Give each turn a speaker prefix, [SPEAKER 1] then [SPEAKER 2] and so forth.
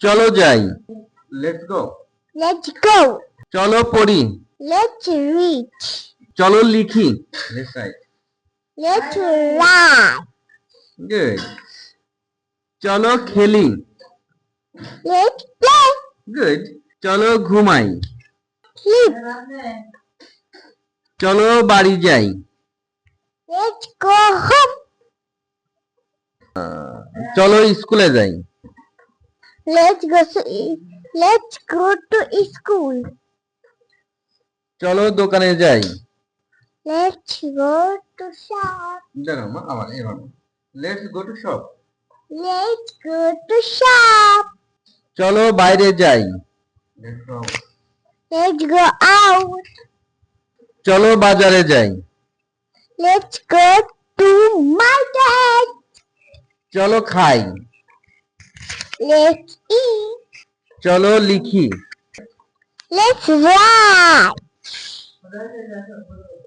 [SPEAKER 1] চলো যাই।
[SPEAKER 2] Let's go.
[SPEAKER 3] Let's go.
[SPEAKER 1] চলো পড়ি।
[SPEAKER 3] Let's read.
[SPEAKER 1] চলো লিখি।
[SPEAKER 2] Let's write.
[SPEAKER 3] Let's write.
[SPEAKER 2] Good.
[SPEAKER 1] চলো খেলি।
[SPEAKER 3] Let's play.
[SPEAKER 2] Good.
[SPEAKER 1] চলো ঘুমাই।
[SPEAKER 3] Sleep.
[SPEAKER 1] চলো বাড়ি যাই।
[SPEAKER 3] Let's go home.
[SPEAKER 1] চলো স্কুলে যাই।
[SPEAKER 3] Let's go to school.
[SPEAKER 1] চলো দোকানে যাই।
[SPEAKER 3] Let's go to shop.
[SPEAKER 2] দাঁড়াও মা, আবার এবার। Let's go to shop.
[SPEAKER 3] Let's go to shop.
[SPEAKER 1] চলো বাইরে যাই।
[SPEAKER 2] Let's go out.
[SPEAKER 3] Let's go out.
[SPEAKER 1] চলো বাজারে যাই।
[SPEAKER 3] Let's go to market.
[SPEAKER 1] চলো খাই।
[SPEAKER 3] Let's eat.
[SPEAKER 1] চলো লিখি।
[SPEAKER 3] Let's write.